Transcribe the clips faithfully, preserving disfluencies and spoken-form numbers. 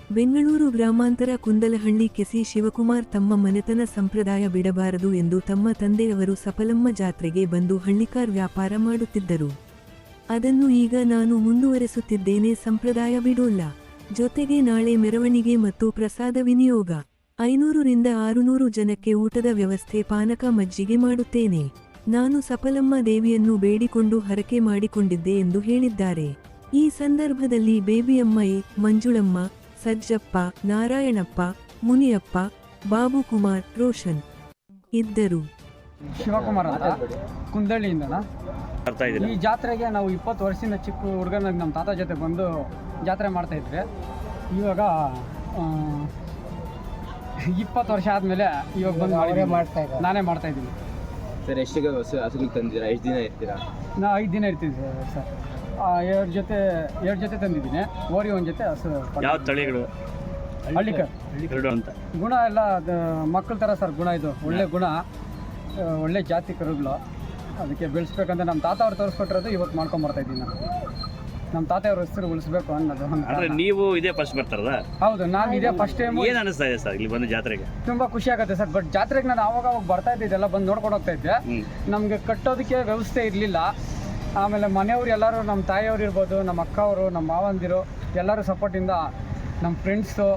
ಬೆಂಗಳೂರು ಗ್ರಾಮಾಂತರ ಕುಂದಲಹಳ್ಳಿ ಕೆಸಿ ಶಿವಕುಮಾರ್ ತಮ್ಮ ಮನೆತನ ಸಂಪ್ರದಾಯ ಬಿಡಬಾರದು ಎಂದು ತಮ್ಮ ತಂದೆಯವರು ಸಫಲಮ್ಮ ಜಾತ್ರೆಗೆ ಬಂದು ಹಳ್ಳಿಕಾರ್ ವ್ಯಾಪಾರ ಮಾಡುತ್ತಿದ್ದರು. ಅದನ್ನು ಈಗ ನಾನು ಮುಂದುವರೆಸುತ್ತಿದ್ದೇನೆ. ಸಂಪ್ರದಾಯ ಬಿಡೋಲ್ಲ. ಜೊತೆಗೆ ನಾಳೆ ಮೆರವಣಿಗೆ ಮತ್ತು ಪ್ರಸಾದ ವಿನಿಯೋಗ. ಐನೂರರಿಂದ ಆರುನೂರು ಜನಕ್ಕೆ ಊಟದ ವ್ಯವಸ್ಥೆ, ಪಾನಕ, ಮಜ್ಜಿಗೆ ಮಾಡುತ್ತೇನೆ. ನಾನು ಸಫಲಮ್ಮ ದೇವಿಯನ್ನು ಬೇಡಿಕೊಂಡು ಹರಕೆ ಮಾಡಿಕೊಂಡಿದ್ದೆ ಎಂದು ಹೇಳಿದ್ದಾರೆ. ಈ ಸಂದರ್ಭದಲ್ಲಿ ಬೇಬಿಯಮ್ಮಯೇ, ಮಂಜುಳಮ್ಮ, ಸಜ್ಜಪ್ಪ, ನಾರಾಯಣಪ್ಪ, ಮುನಿಯಪ್ಪ, ಬಾಬುಕುಮಾರ್, ರೋಷನ್ ಇದ್ದರು. ಶಿವಕುಮಾರ್ ಅಂತ ಕುಂದಳ್ಳಿಯಿಂದನ ಈ ಜಾತ್ರೆಗೆ ನಾವು ಇಪ್ಪತ್ತು ವರ್ಷದಿಂದ ಚಿಕ್ಕ ಹುಡುಗನಾಗ ನಮ್ಮ ತಾತ ಜೊತೆ ಬಂದು ಜಾತ್ರೆ ಮಾಡ್ತಾ ಇದ್ವಿ. ಇವಾಗ ಇಪ್ಪತ್ತು ವರ್ಷ ಆದಮೇಲೆ ಇವಾಗ ಬಂದು ಅವರೇ ಮಾಡ್ತಾ ಇದ್ದಾರೆ, ನಾನೇ ಮಾಡ್ತಾ ಇದ್ದೀನಿ ಸರ್. ಎಷ್ಟಿಗೆ ಹಸು ಹಸುಗಳು ತಂದಿದ್ದೀರಾ? ಎಷ್ಟು ದಿನ ಇರ್ತೀರಾ? ನಾ ಐದು ದಿನ ಇರ್ತೀವಿ ಸರ್. ಎರಡು ಜೊತೆ ಎರಡು ಜೊತೆ ತಂದಿದ್ದೀನಿ. ಓರಿ ಒಂದು ಜೊತೆ ಹಸು. ಯಾವ ತಳಿಗಳು? ಹಳ್ಳಿಕರ್ ಅಂತ. ಗುಣ ಎಲ್ಲ ಮಕ್ಕಳ ಥರ ಸರ್. ಗುಣ ಇದು ಒಳ್ಳೆ ಗುಣ, ಒಳ್ಳೆ ಜಾತಿ ಕರುಗಳು. ಅದಕ್ಕೆ ಬೆಳೆಸ್ಬೇಕಂತ ನಮ್ಮ ತಾತ ಅವ್ರು ತೋರಿಸ್ಕೊಟ್ಟಿರೋದು ಇವತ್ತು ಮಾಡ್ಕೊಂಬರ್ತಾ ಇದ್ದೀನಿ ನಾನು. ನಮ್ಮ ತಾತೆಯವ್ರ ಹೆಸರು ಉಳಿಸ್ಬೇಕು ಅನ್ನೋದು. ಅಂದ್ರೆ ನೀವು ಇದೇ ಫಸ್ಟ್ ಬರ್ತಾರದ? ಹೌದು, ನಾನು ಇದೇ ಫಸ್ಟ್ ಟೈಮ್. ಏನು ಅನಿಸ್ತಾ ಇದೆ ಸರ್ ಇಲ್ಲಿ ಬಂದು ಜಾತ್ರೆಗೆ? ತುಂಬ ಖುಷಿ ಆಗುತ್ತೆ ಸರ್. ಬಟ್ ಜಾತ್ರೆಗೆ ನಾನು ಆವಾಗ ಅವಾಗ ಬರ್ತಾ ಇದ್ದಿದ್ದೆಲ್ಲ ಬಂದು ನೋಡ್ಕೊಂಡು ಹೋಗ್ತಾ ಇದ್ದೆ. ನಮಗೆ ಕಟ್ಟೋದಕ್ಕೆ ವ್ಯವಸ್ಥೆ ಇರಲಿಲ್ಲ. ಆಮೇಲೆ ಮನೆಯವ್ರು ಎಲ್ಲರೂ, ನಮ್ಮ ತಾಯಿಯವ್ರು ಇರ್ಬೋದು, ನಮ್ಮ ಅಕ್ಕವರು, ನಮ್ಮ ಮಾವಂದಿರು ಎಲ್ಲರೂ ಸಪೋರ್ಟಿಂದ, ನಮ್ಮ ಫ್ರೆಂಡ್ಸು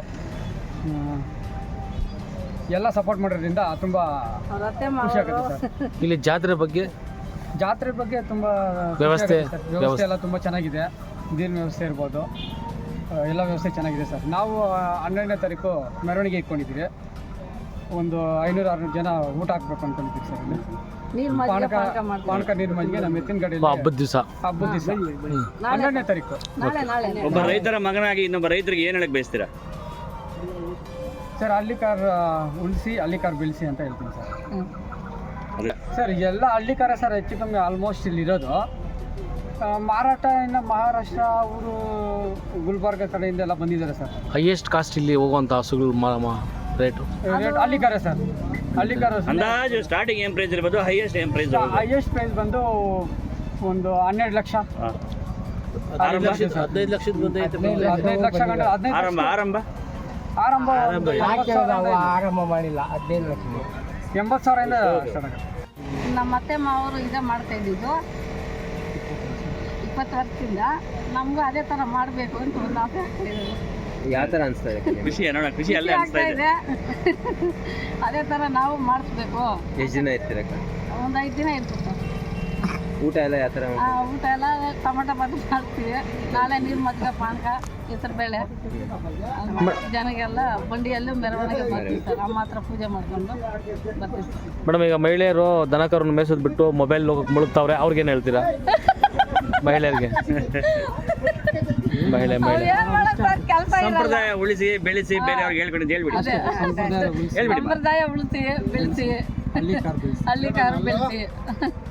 ಎಲ್ಲ ಸಪೋರ್ಟ್ ಮಾಡೋದ್ರಿಂದ ತುಂಬ ಖುಷಿ ಆಗುತ್ತೆ ಸರ್. ಇಲ್ಲಿ ಜಾತ್ರೆ ಬಗ್ಗೆ ಜಾತ್ರೆ ಬಗ್ಗೆ ತುಂಬ ವ್ಯವಸ್ಥೆ ವ್ಯವಸ್ಥೆ ಎಲ್ಲ ತುಂಬ ಚೆನ್ನಾಗಿದೆ. ನೀರಿನ ವ್ಯವಸ್ಥೆ ಇರ್ಬೋದು, ಎಲ್ಲ ವ್ಯವಸ್ಥೆ ಚೆನ್ನಾಗಿದೆ ಸರ್. ನಾವು ಹನ್ನೆರಡನೇ ತಾರೀಕು ಮೆರವಣಿಗೆ ಇಟ್ಕೊಂಡಿದ್ದೀವಿ. ಒಂದು ಐನೂರು ಆರುನೂರು ಜನ ಊಟ ಹಾಕ್ಬೇಕು ಅಂದ್ಕೊಂಡಿದ್ದೀವಿ ಸರ್. ಇಲ್ಲಿ ಪಾನಕ ಪಾನಕ ನೀರು ಮಜ್ಜಿಗೆ ನಮ್ಮ ಎತ್ತಿನ ಗಾಡಿ ಹಬ್ಬದ ದಿವಸ ಹಬ್ಬದ ದಿವಸ ಹನ್ನೆರಡನೇ ತಾರೀಕು. ಒಬ್ಬ ರೈತರ ಮಗನಾಗಿ ಇನ್ನೊಬ್ಬ ರೈತರಿಗೆ ಏನು ಹೇಳಕ್ ಬಯಸ್ತೀರಾ ಸರ್? ಹಳ್ಳಿಕಾರ್ ಉಳಿಸಿ, ಹಳ್ಳಿಕಾರ್ ಬೆಳೆಸಿ ಅಂತ ಹೇಳ್ತೀನಿ ಸರ್. ಸರ್ ಎಲ್ಲ ಹಳ್ಳಿಕಾರ ಸರ್ ಹೆಚ್ಚು ಕಮ್ಮಿ ಆಲ್ಮೋಸ್ಟ್ ಇಲ್ಲಿ ಇರೋದು. ಮಾರಾಟ ಇನ್ನು ಮಹಾರಾಷ್ಟ್ರ, ಊರು ಗುಲ್ಬರ್ಗ ಕಡೆಯಿಂದ ಎಲ್ಲ ಬಂದಿದ್ದಾರೆ ಸರ್. ಹೈಯೆಸ್ಟ್ ಕಾಸ್ಟ್ ಇಲ್ಲಿ ಹೋಗುವಂಥ ಹಸುಗಳು rate rate Hallikar sir. Hallikar ಅಂದಾಜು ಸ್ಟಾರ್ಟಿಂಗ್ ಏನ್ ಪ್ರೈಸ್ ಇರ್ಬೋದು? ಹೈಯೆಸ್ಟ್ ಏನ್ ಪ್ರೈಸ್? ಹೈಯೆಸ್ಟ್ ಪ್ರೈಸ್ ಬಂದು ಒಂದು ಹನ್ನೆರಡು ಲಕ್ಷ, ಹದಿನೈದು ಲಕ್ಷದ ಬಂದು ಹದಿನೈದು ಲಕ್ಷ ಗಂಟೆ. ಹದಿನೈದು ಆರಂಭ ಆರಂಭ ಆರಂಭ ಆರಂಭ ಮಾಡಿಲ್ಲ. ಹದಿನೈದು ಲಕ್ಷ ಎಂಬತ್ತು ಸಾವಿರದಿಂದ ಸ್ಟಾರ್ಟ್ ಆಗುತ್ತೆ. ನಮ್ಮ ಅತ್ತೆ ಮಾವರು ಇದೇ ಮಾಡ್ತಾ ಇದ್ದಿದ್ದು ಇಪ್ಪತ್ತು ವರ್ಷದಿಂದ. ನಮಗೂ ಅದೇ ಥರ ಮಾಡಬೇಕು ಅಂತ ಒಂದು ಆಸೆ ಆಗ್ತಾಯಿದೆ. ಯಾವ ಥರ ಅನಿಸ್ತಾ ಇದೆ? ಖುಷಿ ನೋಡ, ಖುಷಿ ಅಲ್ಲೇ ಅನಿಸ್ತಾ ಇದೆ. ಅದೇ ಥರ ನಾವು ಮಾಡಿಸ್ಬೇಕು. ಎಷ್ಟು ದಿನ ಇರ್ತೀರಕ್ಕ? ಒಂದು ಐದು ದಿನ ಇರ್ಬೇಕು. ಊಟ ಎಲ್ಲ ಯಾವ ಥರ? ಊಟ ಎಲ್ಲ ಟೊಮೆಟೊ ಬಾತು ಮಾಡ್ತೀವಿ. ನಾಳೆ ನೀರು ಮಜ್ಜಿಗೆ, ಪಾನಕ, ಹೆಸರು ಬೇಳೆ ಜನಗೆಲ್ಲ ಬಂಡಿಯಲ್ಲೂ ಮೆರವಣಿಗೆ ಬರ್ತೀವಿ ಸರ್. ಅಮ್ಮ ಹತ್ರ ಪೂಜೆ ಮಾಡ್ಕೊಂಡು ಬರ್ತೀವಿ. ಮೇಡಮ್, ಈಗ ಮಹಿಳೆಯರು ದನಕರನ್ನು ಮೇಯಿಸೋದು ಬಿಟ್ಟು ಮೊಬೈಲ್ ಮುಳುಗ್ತಾವ್ರೆ, ಅವ್ರಿಗೇನು ಹೇಳ್ತೀರಾ? ಮಹಿಳೆಯರಿಗೆ ಮಹಿಳೆ ಮಹಿಳೆ ಸಂಪ್ರದಾಯ ಉಳಿಸಿ ಬೆಳೆಸಿ ಬೇರೆಯವ್ರಿಗೆ ಹೇಳ್ಕೊಂಡು ಹೇಳ್ಬಿಡಿ. ಸಂಪ್ರದಾಯ ಉಳಿಸಿ ಬೆಳೆಸಿ, ಹಳ್ಳಿಕಾರು ಬೆಳೆಸಿ.